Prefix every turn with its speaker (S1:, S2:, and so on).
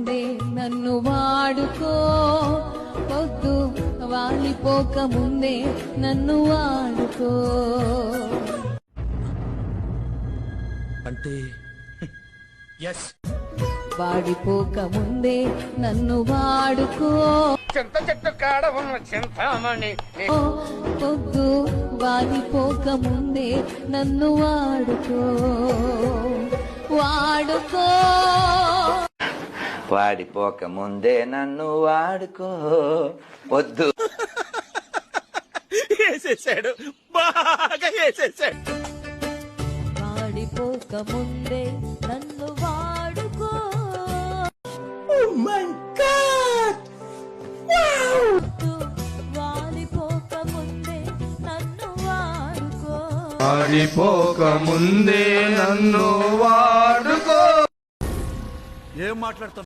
S1: ముందే నన్ను వాడుకో, పొద్దు వాలిపోక ముందే నన్ను వాడుకో.
S2: అంటే
S1: వాడిపోక ముందే నన్ను వాడుకో,
S3: చింత చెట్టు కాడ ఉన్న చింతామణి
S1: పొద్దు వాలిపోక ముందే నన్ను వాడుకో, వాడుకో.
S4: వాడిపోక ముందే నన్ను వాడుకో, పొద్దు
S2: వేసేసాడు, బాగా వేసేసాడు.
S1: వాడిపోక ముందే నన్ను వాడుకో. వాలిపోక ముందే నన్ను వాడుకో,
S5: వాడిపోక ముందే నన్ను వాడుకో.
S2: ఏం మాట్లాడుతున్నా?